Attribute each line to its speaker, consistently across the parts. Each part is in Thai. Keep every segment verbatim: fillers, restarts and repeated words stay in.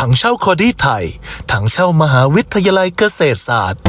Speaker 1: ถังเช่าคอดี้ไทยถังเช่ามหาวิทยาลัยเกษตรศาสตร์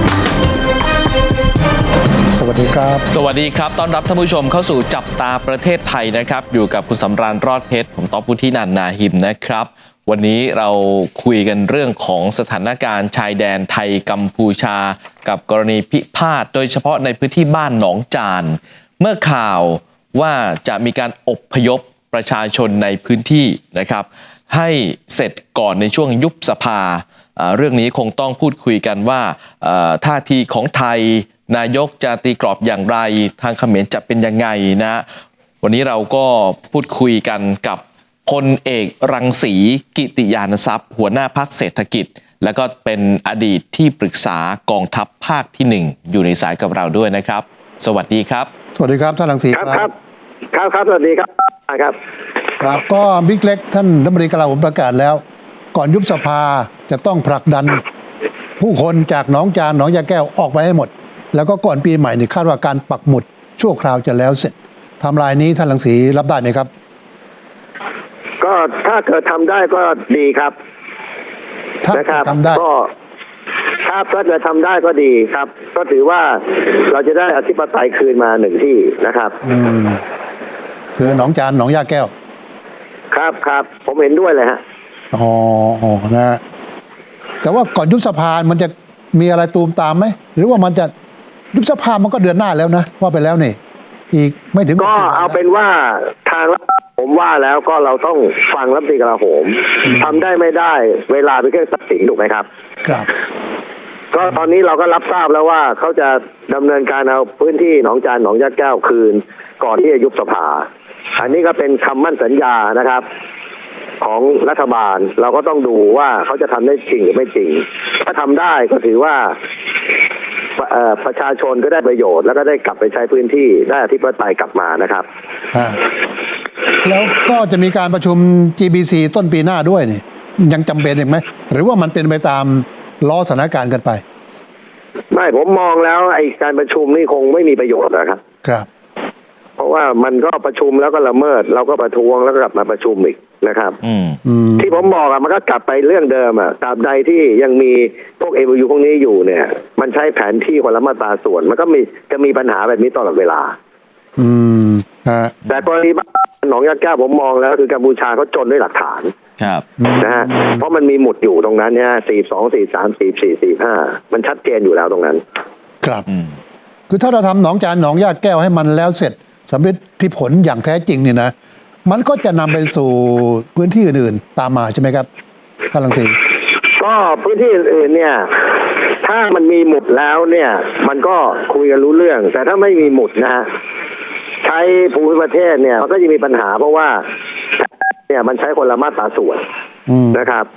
Speaker 2: สวัสดีครับ
Speaker 3: สวัสดีครับต้อนรับท่านผู้ชมเข้าสู่จับตาประเทศไทยนะครับอยู่กับคุณสำราญรอดเพชรผมต๊อบพุทธินันท์นาหิมนะครับวันนี้เราคุยกันเรื่องของสถานการณ์ชายแดนไทยกัมพูชากับกรณีพิพาทโดยเฉพาะในพื้นที่บ้านหนองจานเมื่อข่าวว่าจะมีการอพยพประชาชนในพื้นที่นะครับให้เสร็จก่อนในช่วงยุบสภาเรื่องนี้คงต้องพูดคุยกันว่าท่าทีของไทยนายกจะตีกรอบอย่างไรทางเขมรจะเป็นยังไงนะวันนี้เราก็พูดคุยกันกับพลเอกรังสีกิติยานทรัพย์หัวหน้าพรรคเศรษฐกิจแล้วก็เป็นอดีตที่ปรึกษากองทัพภาคที่หนึ่งอยู่ในสายกับเราด้วยนะครับสวัสดีครับ
Speaker 2: สวัสดีครับท่านรังสี
Speaker 4: ครับครับครับครับสวัสดีครับครับ
Speaker 2: ครับก็บิ๊กเล็กท่านรัฐมนตรีกลาโหมประกาศแล้วก่อนยุบสภาจะต้องผลักดันผู้คนจากหนองจานหนองยาแก้วออกไปให้หมดแล้วก็ก่อนปีใหม่นี่คาดว่าการปักหมุดชั่วคราวจะแล้วเสร็จไทม์ไลน์นี้ท่านรังสีรับได้ไหมครับ
Speaker 4: ก็ถ้าเกิดทำได้ก็ดีครับ
Speaker 2: ถ้าทำได้
Speaker 4: ก็ถ้าถ้าเกิดทำได้ก็ดีครับก็ถือว่าเราจะได้อธิปไตยคืนมาหนึ่งที่นะครับ
Speaker 2: อืมคือหนองจานหนองยาแก้ว
Speaker 4: ครับครับผมเห็นด้วยเลยฮะ
Speaker 2: อ๋ออ๋อนะแต่ว่าก่อนยุบสภามันจะมีอะไรตูมตามไหมหรือว่ามันจะยุบสภามันก็เดือนหน้าแล้วนะว่าไปแล้วนี่อีกไม่ถึง
Speaker 4: ก็เอาเป็นว่าทางผมว่าแล้วก็เราต้องฟังรัฐมนตรีกลาโหมทำได้ไม่ได้เวลาเป็นเครื่องตัดสินถูกไหมครับ
Speaker 2: ครับ
Speaker 4: ก็ตอนนี้เราก็รับทราบแล้วว่าเขาจะดำเนินการเอาพื้นที่หนองจานหนองยาแก้วคืนก่อนที่จะยุบสภาอันนี้ก็เป็นคำมั่นสัญญานะครับของรัฐบาลเราก็ต้องดูว่าเขาจะทำได้จริงหรือไม่จริงถ้าทำได้ก็ถือว่าประชาชนก็ได้ประโยชน์แล้วก็ได้กลับไปใช้พื้นที่ได้อธิปไตยกลับมานะครับ
Speaker 2: แล้วก็จะมีการประชุม จี บี ซี ต้นปีหน้าด้วยนี่ยังจำเป็นอีกไหมหรือว่ามันเป็นไปตามล้อสถานการณ์กันไป
Speaker 4: ไม่ผมมองแล้วไอ้การประชุมนี่คงไม่มีประโยชน์นะครับ
Speaker 2: ครับ
Speaker 4: เพราะว่ามันก็ประชุมแล้วก็ละเมิดเราก็ประท้วงแล้วก็กลับมาประชุมอีกนะครับที่ผมบอกอะมันก็กลับไปเรื่องเดิมอะตราบใดที่ยังมีพวก เอ วี ยู พวกนี้อยู่เนี่ยมันใช้แผนที่คนละมาตราส่วนมันก็มีจะมีปัญหาแบบนี้ตลอดเวลา
Speaker 2: อืมฮะ
Speaker 4: แต่กรณีหนองยาแก้วผมมองแล้วคือกัมพูชาเขาจนด้วยหลักฐาน
Speaker 3: ครับ
Speaker 4: นะฮะเพราะมันมีหมุดอยู่ตรงนั้นเนี่ยสี่สองสี่สามสี่สี่สี่ห้ามันชัดเจนอยู่แล้วตรงนั้น
Speaker 2: ครับคือถ้าเราทำหนองจานหนองยาแก้วให้มันแล้วเสร็จสำเร็จที่ผลอย่างแท้จริงเนี่ยนะมันก็จะนำไปสู่พื้นที่อื่นๆตามมาใช่ไหมครับท่านรังสี
Speaker 4: ก็พื้นที่อื่นๆเนี่ยถ้ามันมีหมุดแล้วเนี่ยมันก็คุยกันรู้เรื่องแต่ถ้าไม่มีหมุดนะฮะใช้ภูมิประเทศเนี่ยมันก็จะมีปัญหาเพราะว่าเนี่ยมันใช้คนละมาตราส่วนนะครับ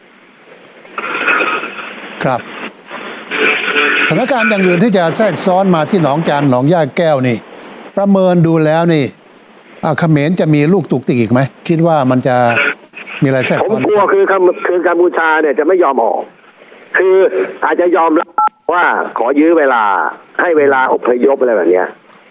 Speaker 2: ครับสถานการณ์อย่างอื่นที่จะแทรกซ้อนมาที่หนองจานหนองย่าแก้วนี่ประเมินดูแล้วนี่เขมรจะมีลูกตุกติกอีกไหมคิดว่ามันจะมีอะไรแทรกซ้อน
Speaker 4: ผมกลัวคือคือกัมพูชาเนี่ยจะไม่ยอมออกคืออาจจะยอมรับว่าขอยื้อเวลาให้เวลาอพยพอะไรแบบเนี้ย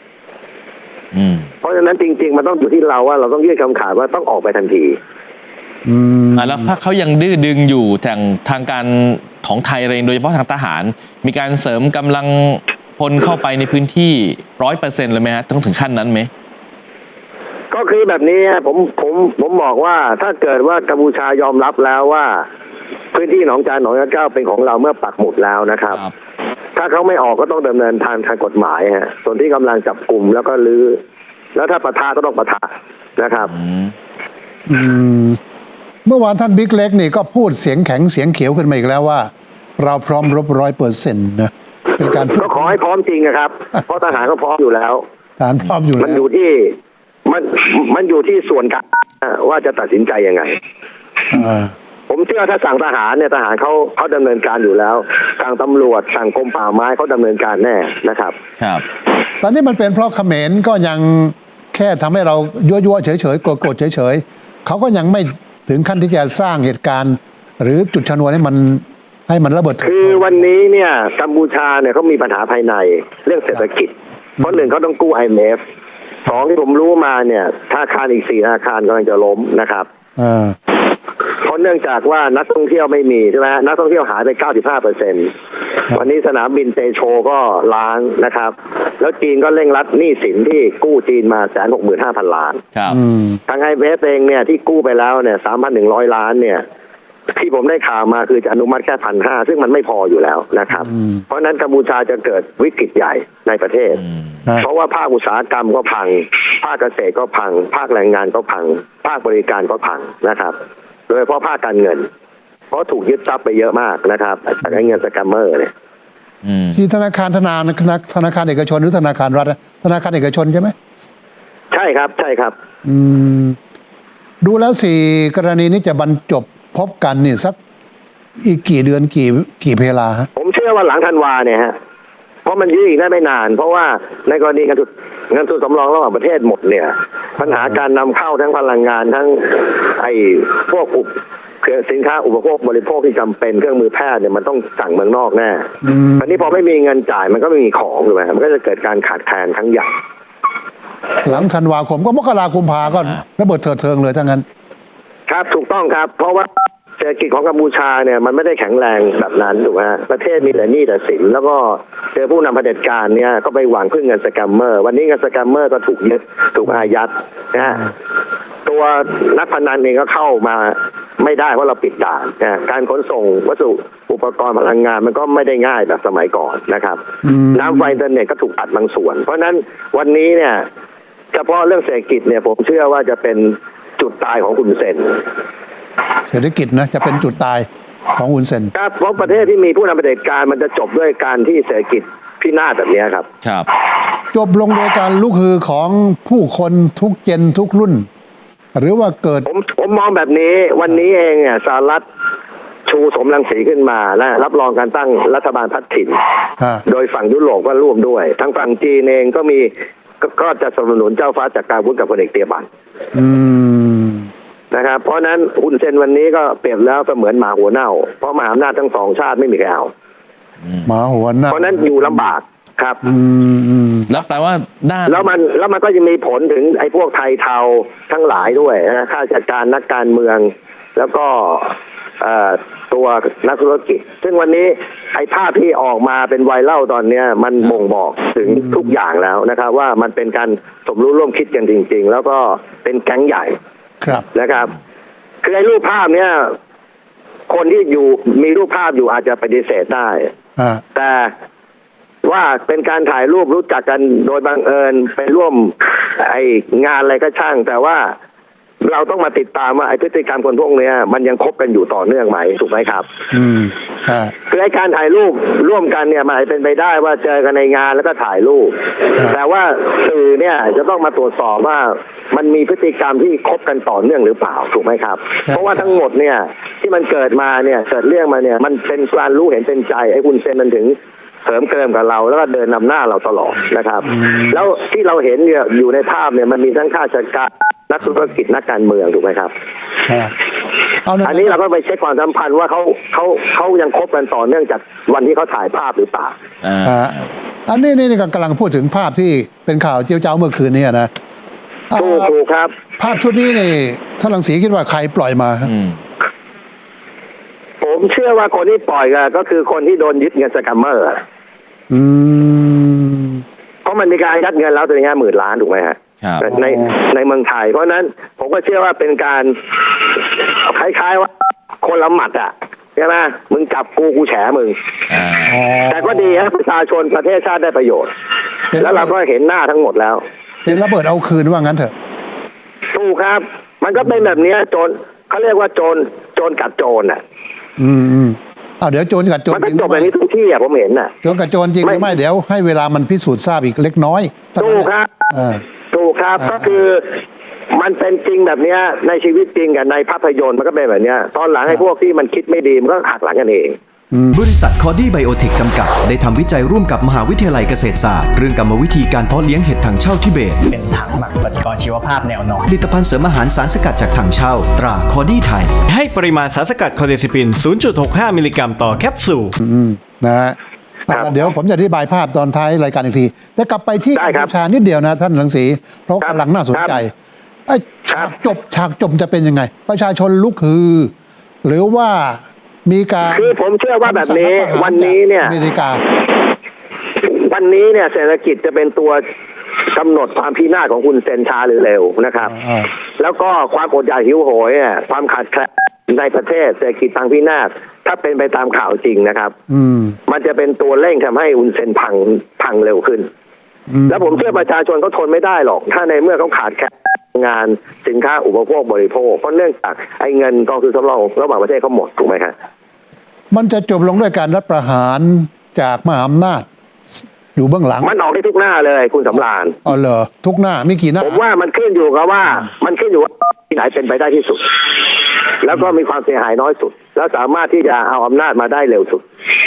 Speaker 4: เพราะฉะนั้นจริงๆมันต้องอยู่ที่เราว่าเราต้องยื่นคำขาดว่าต้องออกไปทันที
Speaker 3: อืมแล้วถ้าเขายังดื้อดึงอยู่ทางทางการของไทยเองโดยเฉพาะทางทหารมีการเสริมกำลังพลเข้าไปในพื้นที่ร้อยเปอร์เซ็นต์เลยไหมฮะต้องถึงขั้นนั้นไหม
Speaker 4: ก็คือแบบนี้ผมผมผมบอกว่าถ้าเกิดว่ากัมพูชายอมรับแล้วว่าพื้นที่หนองจานหนองยาแก้วเป็นของเราเมื่อปักหมุดแล้วนะครับถ้าเขาไม่ออกก็ต้องดำเนินทางทางกฎหมายฮะส่วนที่กำลังจับกลุ่มแล้วก็ลื้อแล้วถ้าปะทะก็ต้องปะทะนะครับ
Speaker 2: อืมเมื่อวานท่านบิ๊กเล็กนี่ก็พูดเสียงแข็งเสียงเขียวขึ้นมาอีกแล้วว่าเราพร้อมรบร้อยเปอร์เซ็นต์นะเป็นการ
Speaker 4: ก็ขอให้พร้อมจริงนะครับเพราะทหารก็พร้อมอยู่แล้ว
Speaker 2: ทหารพร้อมอยู่แล้ว
Speaker 4: มันอยู่ที่มันมันอยู่ที่ส่วนกลางว่าจะตัดสินใจยังไงผมเชื่อถ้าสั่งทหารเนี่ยทหารเขาเขาดำเนินการอยู่แล้วสั่งตำรวจสั่งกรมป่าไม้เขาดำเนินการแน่นะครับ
Speaker 3: ครับ
Speaker 2: ตอนนี้มันเป็นเพราะเขมรก็ยังแค่ทำให้เรายั่วๆเฉยๆโกรธๆเฉยๆเขาก็ยังไม่ถึงขั้นที่จะสร้างเหตุการณ์หรือจุดชนวนให้มันให้มันระเบิด
Speaker 4: คือวันนี้เนี่ยกัมพูชาเนี่ยเขามีปัญหาภายในเรื่องเศรษฐกิจเพราะหนึ่งเขาต้องกู้ ไอ เอ็ม เอฟ สองที่ผมรู้มาเนี่ยธนาคารอีกสี่ธนาคารกำลังจะล้มนะครับเพราะเนื่องจากว่านักท่องเที่ยวไม่มีใช่ไหมนักท่องเที่ยวหายไป เก้าสิบห้าเปอร์เซ็นต์ วันนี้สนามบินเตโชก็ล้างนะครับ แล้วจีนก็เร่งรัดหนี้สินที่กู้จีนมาแสนหกหมื่นห้าพันล้าน
Speaker 3: ครับ
Speaker 2: อืม
Speaker 4: ทางไอเอฟเองเนี่ยที่กู้ไปแล้วเนี่ยสามพันหนึ่งร้อยล้านเนี่ยที่ผมได้ข่าวมาคือจะอนุมัติแค่พันห้าซึ่งมันไม่พออยู่แล้วนะครับ
Speaker 2: อืม
Speaker 4: เพราะฉะนั้นกัมพูชาจะเกิดวิกฤตใหญ่ในประเทศ
Speaker 3: อืม
Speaker 2: ฮะ
Speaker 4: เพราะว่าภาคอุตสาหกรรมก็พัง ภาคเกษตรก็พัง ภาคแรงงานก็พัง ภาคบริการก็พังนะครับ โดยเฉพาะภาคการเงิน เพราะถูกยึดทรัพย์ไปเยอะมากนะครับจากไอ้เงินสแกมเมอร์เนี่ย
Speaker 3: อืม
Speaker 2: ที่ธนาคารธนาธนาคารเอกชนหรือธนาคารรัฐธนาคารเอกชนใช่ไหม
Speaker 4: ใช่ครับใช่ครับ
Speaker 2: อืมดูแล้วสี่กรณีนี้จะบรรจบพบกันนี่สักอีกกี่เดือนกี่กี่เพลาฮะ
Speaker 4: ผมเชื่อว่าหลังธันวาเนี่ยฮะ เพราะมันยืดอีกได้ไม่นาน เพราะว่าในกรณีเงินทุนเงินทุนสำรองระหว่างประเทศหมดเนี่ย ปัญหาการนำเข้าทั้งพลังงานทั้งไอ้พวกอุปเครื่องสินค้าอุปโภคบริโภคที่จำเป็นเครื่องมือแพทย์เนี่ยมันต้องสั่งเมืองนอกแน่
Speaker 2: อืม
Speaker 4: อันนี้พอไม่มีเงินจ่ายมันก็ไม่มีของถูกไหมมันก็จะเกิดการขาดแคลนครั้งใหญ่
Speaker 2: หลังธันวาคมก็มกราคมกุมภาก็ระเบิดเถิดเทิงเลยทั้งนั้น
Speaker 4: ครับถูกต้องครับ เพราะว่าเศรษฐกิจของกัมพูชาเนี่ยมันไม่ได้แข็งแรงแบบนั้นถูกไหมฮะประเทศมีแต่หนี้แต่สินแล้วก็เจอผู้นำเผด็จการเนี่ยก็ไปหวังพึ่งเงินสแกมเมอร์ วันนี้เงินสแกมเมอร์ก็ถูกยึดถูกอายัดนะฮะตัวนักพนันเองก็เข้ามาไม่ได้เพราะเราปิดด่านนะการขนส่งวัสดุอุปกรณ์พลังงานมันก็ไม่ได้ง่ายแบบสมัยก่อนนะครับ
Speaker 2: อืม
Speaker 4: น้ำไฟอินเทอร์เน็ตก็ถูกตัดบางส่วน เพราะฉะนั้นวันนี้เนี่ยเฉพาะเรื่องเศรษฐกิจเนี่ยผมเชื่อว่าจะเป็นจุดตายของคุณเซน
Speaker 2: เศรษฐกิจนะจะเป็นจุดตายของอุนเซน
Speaker 4: ครับเพราะประเทศที่มีผู้นำเผด็จการมันจะจบด้วยการที่เศรษฐกิจพินาศแบบนี้ครับ
Speaker 3: ครับ
Speaker 2: จบลงโดยการลุกฮือของผู้คนทุกเจนทุกรุ่น หรือว่าเกิด
Speaker 4: ผมผมมองแบบนี้วันนี้เองเนี่ยสหรัฐชูสมรังสีขึ้นมาและรับรองการตั้งรัฐบาลพัฒถิ่น
Speaker 2: อ่า
Speaker 4: โดยฝั่งยุโรปก็ร่วมด้วยทางฝั่งจีนเองก็มีก็ก็จะสนับสนุนเจ้าฟ้าจากการวุฒิกับพลเอกเตียบัน
Speaker 2: อืม
Speaker 4: นะครับเพราะฉะนั้นฮุนเซนวันนี้ก็เปรียบแล้วก็เหมือนหมาหัวเน่า เพราะมหาอำนาจทั้งสองชาติไม่มีใครเอา
Speaker 2: หมาหัวหน้า
Speaker 4: เพราะฉะนั้นอยู่ลำบากครับ
Speaker 2: อืมอืม
Speaker 3: แล้วแปลว่าด้าน
Speaker 4: แล้วมันแล้วมันก็จะมีผลถึงไอ้พวกไทยเทาทั้งหลายด้วยนะข้าราชการนักการเมือง แล้วก็เอ่อตัวนักธุรกิจ ซึ่งวันนี้ไอ้ภาพที่ออกมาเป็นไวรัลตอนเนี้ยมันบ่งบอกถึงทุกอย่างแล้วนะครับ ว่ามันเป็นการสมรู้ร่วมคิดกันจริง ๆ แล้วก็เป็นแก๊งใหญ่
Speaker 2: ครับ
Speaker 4: นะครับ คือไอ้รูปภาพเนี้ยคนที่อยู่มีรูปภาพอยู่อาจจะปฏิเสธได้
Speaker 2: อ่า
Speaker 4: แต่ว่าเป็นการถ่ายรูปรู้จักกันโดยบังเอิญไปร่วมไองานอะไรก็ช่าง แต่ว่าเราต้องมาติดตามว่าไอพฤติกรรมคนพวกเนี้ยมันยังคบกันอยู่ต่อเนื่องไหมถูกไหมครับ
Speaker 2: อืมอ่า
Speaker 4: คือไอการถ่ายรูปร่วมกันเนี่ยมันอาจเป็นไปได้ว่าเจอกันในงานแล้วก็ถ่ายรูป
Speaker 2: ครับ
Speaker 4: แต่ว่าสื่อเนี่ยจะต้องมาตรวจสอบว่ามันมีพฤติกรรมที่คบกันต่อเนื่องหรือเปล่าถูกไหมครับ เพราะว่าทั้งหมดเนี่ยที่มันเกิดมาเนี่ยเกิดเรื่องมาเนี่ยมันเป็นการรู้เห็นเป็นใจไอ้คุณเซนมันถึงเสริมเกิมกับเราแล้วก็เดินนำหน้าเราตลอดนะครับ แล้วที่เราเห็นเนี่ยอยู่ในภาพเนี่ยมันมีทั้งข้าราชการนักธุรกิจนักการเมืองถูกไหมครับ
Speaker 2: อ่าเอาหน่อย
Speaker 4: อันนี้เราก็ไปเช็คความสัมพันธ์ว่าเขาเขาเขายังคบกันต่อเนื่องจากวันที่เขาถ่ายภาพหรือเปล่า
Speaker 3: อ่า
Speaker 2: อ่าอันนี้นี่กำลังพูดถึงภาพที่เป็นข่าวเจียวเจ้าเมื่อคืนนี้นะ
Speaker 4: ถูก
Speaker 2: อ่า
Speaker 4: ถูกครับ
Speaker 2: ภาพชุดนี้นี่ท่านรังสีคิดว่าใครปล่อยมาฮะ
Speaker 3: อืม
Speaker 4: ผมเชื่อว่าคนที่ปล่อยก็ก็คือคนที่โดนยึดเงินสแกมเมอร์
Speaker 2: อืม
Speaker 4: เพราะมันมีการยัดเงินแล้วตัวนี้หมื่นล้านถูกไหมฮะ
Speaker 3: ครับ
Speaker 4: ในในเมืองไทย เพราะฉะนั้นผมก็เชื่อว่าเป็นการคล้ายๆว่าคนละหมัดอ่ะใช่ไหมมึงจับกูกูแฉมึง
Speaker 3: อ่า
Speaker 2: อ๋อ
Speaker 4: แต่ก็ดีครับประชาชนประเทศชาติได้ประโยชน์
Speaker 2: เป็น
Speaker 4: แล้วเราก็เห็นหน้าทั้งหมดแล้ว
Speaker 2: เป็นระเบิดเอาคืนว่างั้นเถอะ
Speaker 4: ถูกครับ มันก็เป็นแบบเนี้ยโจรเขาเรียกว่าโจรโจรกัดโจรอ่ะ
Speaker 2: อืมอืมอ้าวเดี๋ยวโจรกัดโจร
Speaker 4: มัน
Speaker 2: จ
Speaker 4: ก็
Speaker 2: ริง
Speaker 4: จบแบบนี้ทุกที่อ่ะผมเห็นน่ะ
Speaker 2: โจรกัดโจรจริงหรือ
Speaker 4: ไม่
Speaker 2: ไม่เดี๋ยวให้เวลามันพิสูจน์ทราบอีกเล็กน้อยเท่า
Speaker 4: ถู
Speaker 2: นั้น
Speaker 4: กครับ
Speaker 2: อ่า
Speaker 4: ถูกครับ
Speaker 2: อ่า
Speaker 4: ก็คือมันเป็นจริงแบบเนี้ยในชีวิตจริงกับในภาพยนตร์มันก็เป็นแบบเนี้ยตอนหลังไอ้พวกที่มันคิดไม่ดีมันก็หักหลังกันเอง
Speaker 5: บริษัทคอดี้ไบโอเทคจำกัดได้ทำวิจัยร่วมกับมหาวิทยาลัยเกษตรศาสตร์เรื่องกรรมวิธีการเพาะเลี้ยงเห็ดถังเช่าทิเบต
Speaker 6: เป็นถังหมักปฏิกรณ์ชีวภาพแนวนอน
Speaker 5: ผลิตภัณฑ์เสริมอาหารสารสกัดจากถังเช่า ตราคอดี้ไทย
Speaker 7: ให้ปริมาณสารสกัดคอเดซิปิน ศูนย์จุดหกห้า มิลลิกรัมต่อแคปซูล
Speaker 2: อืมนะฮะ
Speaker 4: ครับ
Speaker 2: อ่ะเดี๋ยวผมจะอธิบายภาพตอนท้ายรายการอีกทีแต่กลับไปที่
Speaker 4: ได้
Speaker 2: กัม
Speaker 4: ครับ
Speaker 2: พูชานิดเดียวนะท่านรังสีเพราะ
Speaker 4: ครับ
Speaker 2: กำลังน่าสนใจ
Speaker 4: ครับ
Speaker 2: ไอ้
Speaker 4: ครั
Speaker 2: ฉา
Speaker 4: บ
Speaker 2: กจบฉากจบจะเป็นยังไง ประชาชนลุกฮือหรือว่ามีการ
Speaker 4: คือผมเชื่อว่าแบบนี้
Speaker 2: คำสั่งรัฐประหาร
Speaker 4: วันนี้เนี่ย
Speaker 2: จากอเมริกา
Speaker 4: วันนี้เนี่ยเศรษฐกิจจะเป็นตัวกำหนดความพินาศของคุณเซนช้าหรือเร็วนะครับ
Speaker 2: อ่า
Speaker 4: แล้วก็ความอดอยากหิวโหยเนี่ยความขาดแคลนในประเทศเศรษฐกิจพังพินาศถ้าเป็นไปตามข่าวจริงนะครับ
Speaker 2: อืม
Speaker 4: มันจะเป็นตัวเร่งทำให้อุนเซนพังพังเร็วขึ้น
Speaker 2: อืม
Speaker 4: แล้วผมเชื่อประชาชนเขาทนไม่ได้หรอก ถ้าในเมื่อเขาขาดแคลนงานสินค้าอุปโภคบริโภคเพราะเนื่องจากไอ้เงินกองทุนสำรองระหว่างประเทศเขาหมดถูกไหมครับ
Speaker 2: มันจะจบลงด้วยการรัฐประหารจากมหาอำนาจอยู่เบื้องหลัง
Speaker 4: มันออกได้ทุกหน้าเลยคุณสำราญ
Speaker 2: อ๋อเหรอทุกหน้ามีกี่หน้า
Speaker 4: ผมว่ามันขึ้นอยู่กับว่า มันขึ้นอยู่ว่าที่ไหนเป็นไปได้ที่สุด แล้วก็มีความเสียหายน้อยสุด แล้วสามารถที่จะเอาอำนาจมาได้เร็วสุด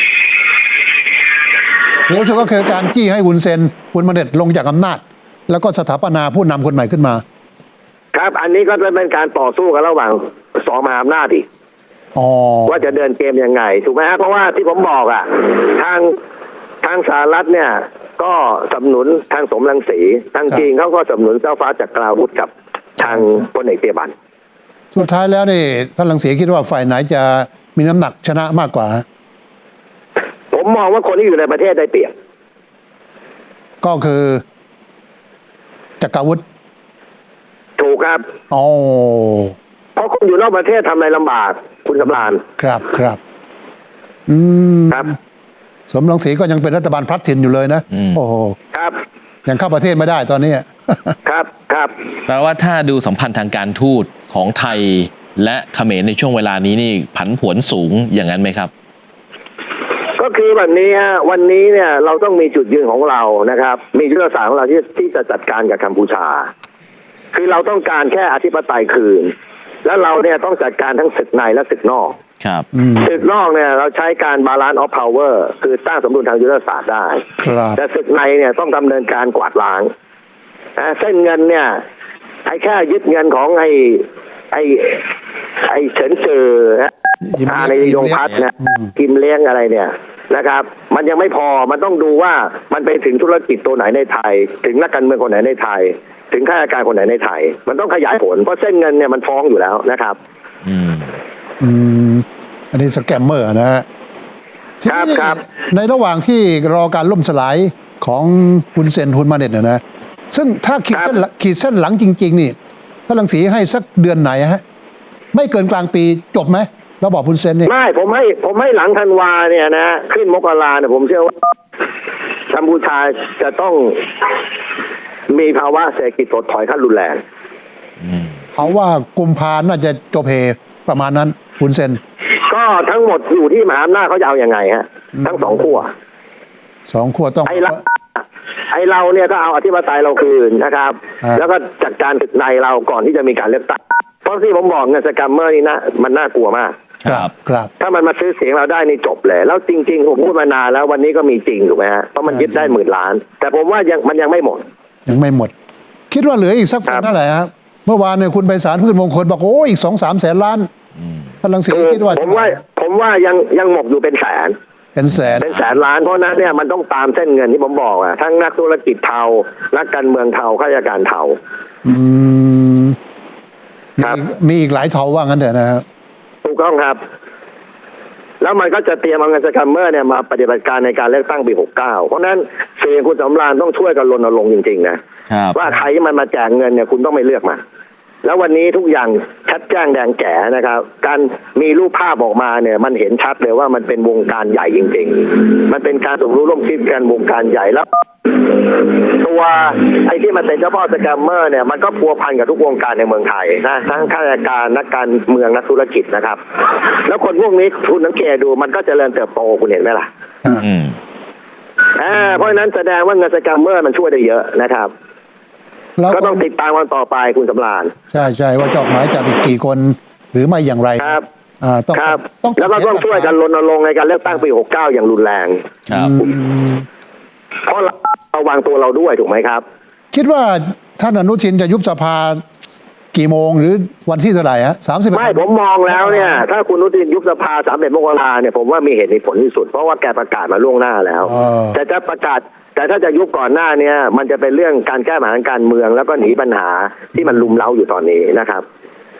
Speaker 2: เร็วสุดก็คือการจี้ให้วุนเซนคุณมาเด็ดลงจากอำนาจ แล้วก็สถาปนาผู้นำคนใหม่ขึ้นมา
Speaker 4: ครับ อันนี้ก็จะเป็นการต่อสู้กันระหว่างสองมหาอำนาจอีก
Speaker 2: อ๋อ
Speaker 4: ว่าจะเดินเกมยังไงถูกไหมฮะเพราะว่าที่ผมบอกอ่ะทางทางสหรัฐเนี่ย ก็สนับสนุนทางสมรังสีทางจีนเขาก็สนับสนุนเจ้าฟ้าจักราวุธกับทางพลเอกเตียบัน
Speaker 2: สุดท้ายแล้วนี่ท่านลังสีคิดว่าฝ่ายไหนจะมีน้ำหนักชนะมากกว่า
Speaker 4: ผมมองว่าคนที่อยู่ในประเทศได้เปรียบ
Speaker 2: ก็คือจักรวุฒิ
Speaker 4: ถูกครับ
Speaker 2: อ๋อ
Speaker 4: เพราะคนอยู่นอกประเทศทำอะไรลำบากคุณสำราญ
Speaker 2: ครับครับอืม
Speaker 4: ครับ
Speaker 2: สมรังสีก็ยังเป็นรัฐบาลพลัดถิ่นอยู่เลยนะ
Speaker 3: อืม
Speaker 2: โอ้โห
Speaker 4: ครับ
Speaker 2: ยังเข้าประเทศไม่ได้ตอนนี้
Speaker 4: ครับครับ
Speaker 3: แปลว่าถ้าดูสัมพันธ์ทางการทูตของไทยและเขมรในช่วงเวลานี้นี่ผันผวนสูงอย่างนั้นไหมครับ
Speaker 4: ก็คือแบบนี้ฮะวันนี้เนี่ยเราต้องมีจุดยืนของเรานะครับ มียุทธศาสตร์ของเราที่ที่จะจัดการกับกัมพูชา คือเราต้องการแค่อธิปไตยคืน แล้วเราเนี่ยต้องจัดการทั้งศึกในและศึกนอก
Speaker 3: ครับ
Speaker 2: อืม
Speaker 4: ศึกนอกเนี่ยเราใช้การบาลานซ์ออฟพาวเวอร์คือสร้างสมดุลทางยุทธศาสตร์ได้
Speaker 2: ครับ
Speaker 4: แต่ศึกในเนี่ยต้องดำเนินการกวาดล้างนะเส้นเงินเนี่ยไอ้แค่ยึดเงินของไอ้ไอ้ไอ้เฉินเจอนะ
Speaker 2: ยิ้ม
Speaker 4: อา
Speaker 2: เลี้ยง
Speaker 4: ในยงพัฒน์นะ
Speaker 2: อืม
Speaker 4: กิมเลี้ยงอะไรเนี่ยนะครับ มันยังไม่พอมันต้องดูว่ามันไปถึงธุรกิจตัวไหนในไทย ถึงนักการเมืองคนไหนในไทย ถึงข้าราชการคนไหนในไทย มันต้องขยายผลเพราะเส้นเงินเนี่ยมันฟ้องอยู่แล้วนะครับ
Speaker 3: อืม
Speaker 2: อืมอันนี้สแกมเมอร์นะฮะที
Speaker 4: ครับ
Speaker 2: นี้
Speaker 4: ครับ
Speaker 2: ในระหว่างที่รอการล่มสลายของคุณเซนฮุนมาเน็ตนะนะซึ่งถ้าขีดเส้นหลังขีดเส้นหลังจริง ๆ นี่ถ้าลังสีให้สักเดือนไหนฮะไม่เกินกลางปีจบไหมเราบอกคุณเซนนี่
Speaker 4: ไม่ผมให้ผมให้หลังธันวาเนี่ยนะขึ้นมกราเนี่ยผมเชื่อว่ากัมพูชาจะต้องมีภาวะเศรษฐกิจถดถอยขั้นรุนแรง
Speaker 3: อืม
Speaker 2: เขาว่ากุมภาน่าจะจบเฮประมาณนั้นคุณเซน
Speaker 4: ก็ทั้งหมดอยู่ที่มหาอำนาจเขาจะเอาอยัางไงฮะ
Speaker 2: อืม
Speaker 4: ทั้งสองขั้ว
Speaker 2: สองขั้วต้อง
Speaker 4: ไอ้เราไอ้เราเนี่ยก็เอาอธิปไตยเราคืนนะครับ
Speaker 2: อ่า
Speaker 4: แล้วก็จัดการศึกในเราก่อนที่จะมีการเลือกตั้งเพราะที่ผมบอกเงินสแกมเมอร์นี่นะมันน่ากลัวมาก
Speaker 2: ครับครับ
Speaker 4: ถ้ามันมาซื้อเสียงเราได้นี่จบเลย แล้วจริงๆผมพูดมานานแล้ววันนี้ก็มีจริงถูกไหมฮะเพราะมันยึดได้หมื่นล้าน แต่ผมว่ายังมันยังไม่หมด
Speaker 2: ยังไม่หมด คิดว่าเหลืออีกสัก
Speaker 4: ครับ
Speaker 2: เท่าไหร่ครับเมื่อวานเนี่ยคุณไพศาลพืชมงคลบอกโอ้อีกสองสามแสนล้าน
Speaker 3: อืม
Speaker 2: พลังสี
Speaker 4: คือ
Speaker 2: คิดว่า
Speaker 4: ผมว่าผมว่ายังยังหมกอยู่เป็นแสน
Speaker 2: เป็นแสน
Speaker 4: เป็นแสนล้านเพราะนั้นเนี่ยมันต้องตามเส้นเงินที่ผมบอกอะทั้งนักธุรกิจเทานักการเมืองเทาข้าราชการเทา
Speaker 2: อืม
Speaker 4: ครับ
Speaker 2: มีมีอีกหลายเทาว่างั้นเถอะนะครับ
Speaker 4: ถูกต้องครับ แล้วมันก็จะเตรียมเอาเงินสแกมเมอร์เนี่ยมาปฏิบัติการในการเลือกตั้งปีหกเก้าเพราะนั้นเสียงคุณสำราญต้องช่วยกันรณรงค์จริงๆนะครับ ว่าใครที่มันมาแจกเงินเนี่ยคุณต้องไม่เลือกมาแล้ววันนี้ทุกอย่างชัดแจ้งแดงแจ๋นะครับ การมีรูปภาพออกมาเนี่ยมันเห็นชัดเลยว่ามันเป็นวงการใหญ่จริงๆมันเป็นการสมรู้ร่วมคิดกันวงการใหญ่แล้ว ตัวไอ้ที่มันเป็นเจ้าพ่อสแกมเมอร์เนี่ยมันก็พัวพันกับทุกวงการในเมืองไทยนะทั้งข้าราชการนักการเมืองนักธุรกิจนะครับ แล้วคนพวกนี้คุณสังเกตดูมันก็เจริญเติบโตคุณเห็นไหมล่ะ
Speaker 3: อืม
Speaker 4: อ่าเพราะฉะนั้นแสดงว่าเงินสแกมเมอร์มันช่วยได้เยอะนะครับ
Speaker 2: แล้ว
Speaker 4: ก็ต้องติดตามวันต่อไปคุณสำราญ
Speaker 2: ใช่ใช่ว่าจะออกหมายจับอีกกี่คนหรือไม่อย่างไร
Speaker 4: ครับ
Speaker 2: อ่าต้อง
Speaker 4: ครับ
Speaker 2: ต้อง
Speaker 4: แล้วก็ต้องช่วยกันรณรงค์ในการเลือกตั้งปีหกเก้าอย่างรุนแรง
Speaker 3: ครับ
Speaker 2: อืม
Speaker 4: เพราะเราระวังตัวเราด้วยถูกไหมครับ
Speaker 2: คิดว่าท่านอนุทินจะยุบสภากี่โมงหรือวันที่เท่าไหร่ฮะสามสิบ
Speaker 4: ไม่ผมมองแล้วเนี่ย ถ้าคุณอนุทินยุบสภาสามเอ็ดมกราเนี่ยผมว่ามีเหตุมีผลที่สุดเพราะว่าแกประกาศมาล่วงหน้าแล้ว แต่จะประกาศแต่ถ้าจะยุบก่อนหน้าเนี้ยมันจะเป็นเรื่องการแก้ปัญหาการเมืองแล้วก็หนีปัญหาที่มันลุมเล้าอยู่ตอนนี้นะครับ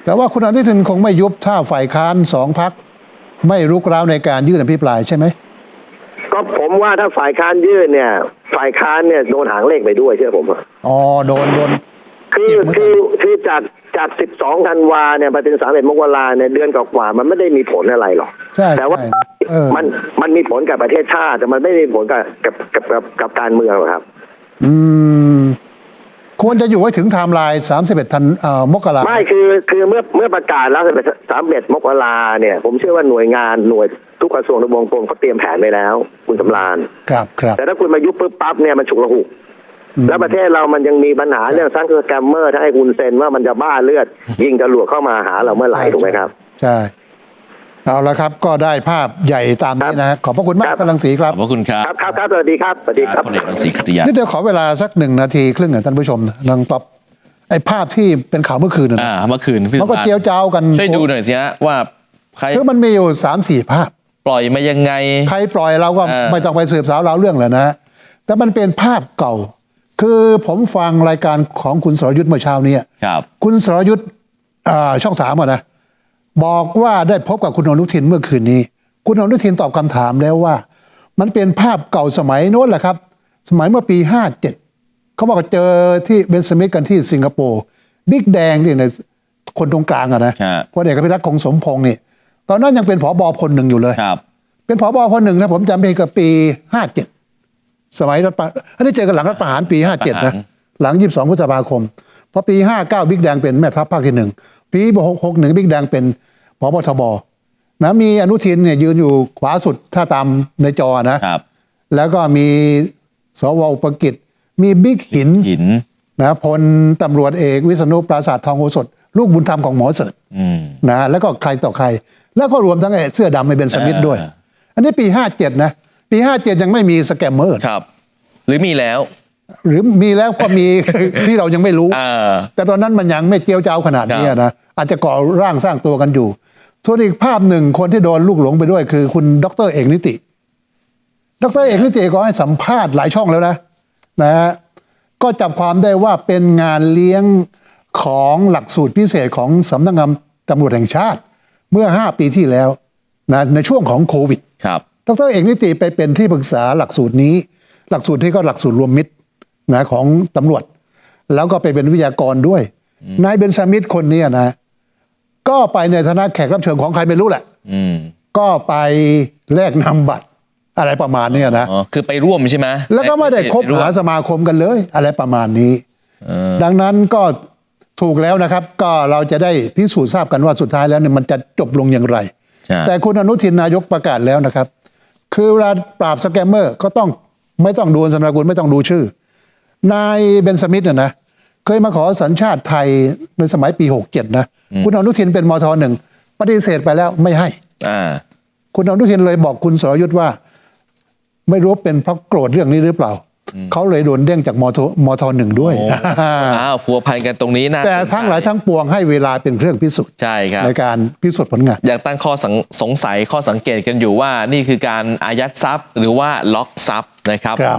Speaker 2: แต่ว่าคุณอนุทินคงไม่ยุบถ้าฝ่ายค้านสองพรรคไม่รุกร้าวในการยื่นอภิปรายใช่ไหม
Speaker 4: ก็ผมว่าถ้าฝ่ายค้านยื่นเนี่ย ฝ่ายค้านเนี่ยโดนหางเลขไปด้วยเชื่อผมอะ
Speaker 2: อ๋อโดนโดน
Speaker 4: คือคือคือจากจากสิบสองธันวาเนี่ยไปถึงสามเอ็ดมกราเนี่ยเดือนกว่าๆมันไม่ได้มีผลอะไรหรอก
Speaker 2: ใช่
Speaker 4: แต่ว่า
Speaker 2: ใช่เออ
Speaker 4: มันมันมีผลกับประเทศชาติแต่มันไม่ได้มีผลกับกับกับกับกับการเมืองหรอกครับ
Speaker 2: อืมควรจะอยู่ไว้ถึงไทม์ไลน์สามสิบเอ็ดธันเอ่อมกรา
Speaker 4: ไม่คือคือเมื่อเมื่อประกาศแล้วสามเอ็ดมกราเนี่ย ผมเชื่อว่าหน่วยงานหน่วยทุกกระทรวงทบวงกรมเขาเตรียมแผนไว้แล้ว คุณสำราญ
Speaker 2: ครับครับ
Speaker 4: แต่ถ้าคุณมายุบปุ๊บปั๊บเนี่ยมันฉุกละหุก
Speaker 2: อืม
Speaker 4: แล้วประเทศเรามันยังมีปัญหาเรื่องซังคือแกมเมอร์ถ้าให้คุณเซ็นว่ามันจะบ้าเลือด ยิงจรวดเข้ามาหาเราเมื่อไหร่ถูกไหมครับ
Speaker 2: ใช่เอาละครับก็ได้ภาพใหญ่ตามนี้นะฮะขอบพระคุณมาก
Speaker 4: ครับ
Speaker 2: ท่านรังสีค
Speaker 3: ข
Speaker 2: รั
Speaker 3: อ
Speaker 2: บบ
Speaker 3: พระคุณครับ
Speaker 4: ครับครับครับสวัสดีครับสวัสดีครับ
Speaker 3: พลเอกรังสีกัตติยา
Speaker 2: นี่เดี๋ยวขอเวลาสักหนึ่งนาทีครึ่งนะท่านผู้ชมนะลังป๊อปไอ้ภาพที่เป็นข่าวเมื่อคืนนะ
Speaker 3: อ่าเมื่อคืนพี่
Speaker 2: มันก็
Speaker 3: สุภาพ
Speaker 2: เจียวจ้าวกัน
Speaker 3: ช่วยดูหน่อยสิฮะว่าใคร
Speaker 2: คือมันมีอยู่สามสี่ภาพ
Speaker 3: ปล่อยมายังไง
Speaker 2: ใครปล่อยเราก็
Speaker 3: เออ
Speaker 2: ไม่ต้องไปสืบสาวเราวเรื่องเลยนะฮะแต่มันเป็นภาพเก่า คือผมฟังรายการของคุณสรยุทธ์เมื่อเช้านี้
Speaker 3: ครับ
Speaker 2: คุณสรยุทธ์อ่าช่องสามอะนะบอกว่าได้พบกับคุณอนุทินเมื่อคืนนี้ คุณอนุทินตอบคำถามแล้วว่า มันเป็นภาพเก่าสมัยโน้นแหละครับ สมัยเมื่อปีห้าเจ็ดเขาบอกว่าเจอที่เบนสมิธกันที่สิงคโปร์บิ๊กแดงนี่ในคนตรงกลางอะนะ
Speaker 3: ฮะ
Speaker 2: พลเอกอภิรักษ์คงสมพงษ์นี่ตอนนั้นยังเป็นผบพลหนึ่งอยู่เลย
Speaker 3: ครับ
Speaker 2: เป็นผบพลหนึ่งนะผมจำเป็นกับปีห้าเจ็ดสมัยรัฐประอันนี้เจอกันหลังรัฐประหารปีห้าเจ็ดนะหลังยี่สิบสองพฤษภาคมพอปีห้าเก้าบิ๊กแดงเป็นแม่ทัพภาคที่หนึ่งปีหกหกหนึ่งบิ๊กแดงเป็นผบทบนะมีอนุทินเนี่ยยืนอยู่ขวาสุดถ้าตามในจอนะครับ แล้วก็มีสวอุปกิจมีบิ๊กหิน
Speaker 3: หิน
Speaker 2: นะพลตำรวจเอกวิษณุปราสาททองโอสถลูกบุญธรรมของหมอเสิร์ช
Speaker 3: อืม
Speaker 2: นะแล้วก็ใครต่อใคร แล้วก็รวมทั้งไอ้เสื้อดำไอ้เบนสมิธด้วย
Speaker 3: อ่า
Speaker 2: อันนี้ปีห้าเจ็ดนะปีห้าเจ็ดยังไม่มีสแกมเมอร์
Speaker 3: ครับ หรือมีแล้ว
Speaker 2: หรือมีแล้วก็มี ที่เรายังไม่รู้
Speaker 3: อ่า
Speaker 2: แต่ตอนนั้นมันยังไม่เจียวจ้าวขนาดนี้
Speaker 3: ครับ
Speaker 2: นะอาจจะก่อร่างสร้างตัวกันอยู่ ส่วนอีกภาพหนึ่งคนที่โดนลูกหลงไปด้วย คือคุณดรเอกนิติ ดรเอกนิติก็ให้สัมภาษณ์หลายช่องแล้วนะนะฮะก็จับความได้ว่าเป็นงานเลี้ยงของหลักสูตรพิเศษของสำนักงานตำรวจแห่งชาติ เมื่อห้าปีที่แล้วนะในช่วงของโควิด
Speaker 3: ครับ
Speaker 2: ดรเอกนิติไปเป็นที่ปรึกษาหลักสูตรนี้ หลักสูตรนี้ก็หลักสูตรรวมมิตรนะของตำรวจ แล้วก็ไปเป็นวิทยากรด้วยนายเบนซามิธคนนี้นะ ก็ไปในฐานะแขกรับเชิญของใครไม่รู้แหละ
Speaker 3: อืม
Speaker 2: ก็ไปแลกนำบัตรอะไรประมาณเนี้ยนะ
Speaker 3: อ๋อ คือไปร่วมใช่ไหม
Speaker 2: แล้วก็ไม่ได้คบ
Speaker 3: ปร่วม
Speaker 2: หาสมาคมกันเลย อะไรประมาณนี้
Speaker 3: เออ
Speaker 2: ดังนั้นก็ถูกแล้วนะครับ ก็เราจะได้พิสูจน์ทราบกันว่าสุดท้ายแล้วเนี่ยมันจะจบลงอย่างไร
Speaker 3: ใช่
Speaker 2: แต่คุณอนุทินนายกประกาศแล้วนะครับ คือเวลาปราบสแกมเมอร์ก็ต้องไม่ต้องดูสมนาคุณไม่ต้องดูชื่อ นายเบนสมิธเนี่ยนะเคยมาขอสัญชาติไทยในสมัยปีหกเจ็ดนะคุณอนุทินเป็นมทหนึ่งปฏิเสธไปแล้วไม่ให้
Speaker 3: อ่า
Speaker 2: คุณอนุทินเลยบอกคุณสรยุทธ์ว่า ไม่รู้เป็นเพราะโกรธเรื่องนี้หรือเปล่า เขาเลยโดนเด้งจากมทมทหนึ่งด้วย
Speaker 3: โอ้ อ้าวพัวพันกันตรงนี้นะ
Speaker 2: แต่ทั้งหลายทั้งปวงให้เวลาเป็นเครื่องพิสูจน์
Speaker 3: ใช่ครับ
Speaker 2: ในการพิสูจน์ผลงาน
Speaker 3: อยากตั้งข้อสงสงสัยข้อสังเกตกันอยู่ว่านี่คือการอายัดทรัพย์ หรือว่าล็อกทรัพย์นะครับ
Speaker 2: ครับ